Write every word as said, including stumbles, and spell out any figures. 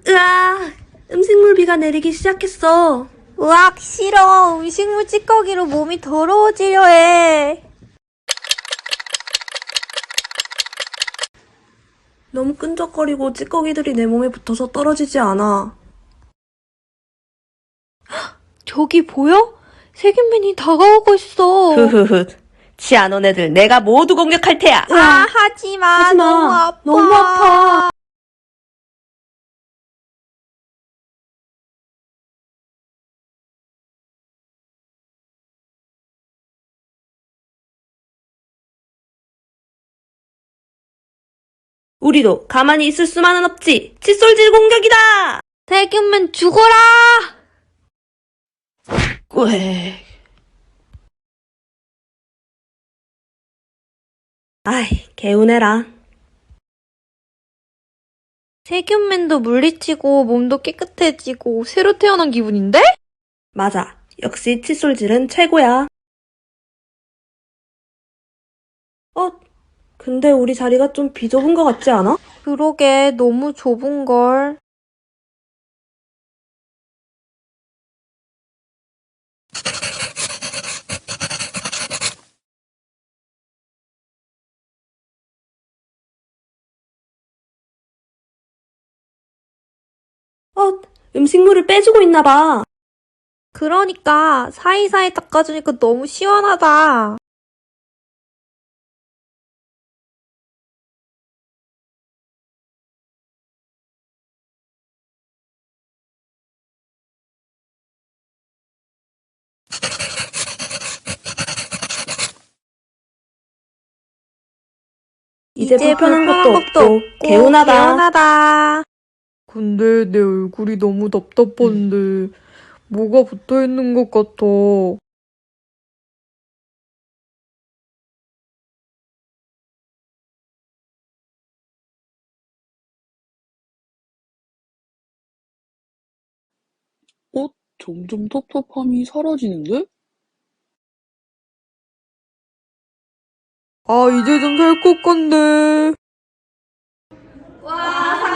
으아, 음식물 비가 내리기 시작했어. 으악, 싫어. 음식물 찌꺼기로 몸이 더러워지려 해. 너무 끈적거리고 찌꺼기들이 내 몸에 붙어서 떨어지지 않아. 저기 보여? 세균맨이 다가오고 있어. 흐흐흐. 치 안 온 애들 내가 모두 공격할 테야. 아, 하지마. 하지마. 너무 아파. 너무 아파. 우리도 가만히 있을 수만은 없지. 칫솔질 공격이다. 세균맨 죽어라! 꽥. 아이, 개운해라. 세균맨도 물리치고 몸도 깨끗해지고 새로 태어난 기분인데? 맞아. 역시 칫솔질은 최고야. 어? 근데 우리 자리가 좀 비좁은 것 같지 않아? 그러게, 너무 좁은걸. 어? 음식물을 빼주고 있나 봐. 그러니까 사이사이 닦아주니까 너무 시원하다. 이제 불편한 것도 없고 개운하다. 개운하다. 근데 내 얼굴이 너무 답답한데 뭐가 붙어있는 것 같아. 어? 점점 텁텁함이 사라지는데? 아, 이제 좀 살 것 같네. 와,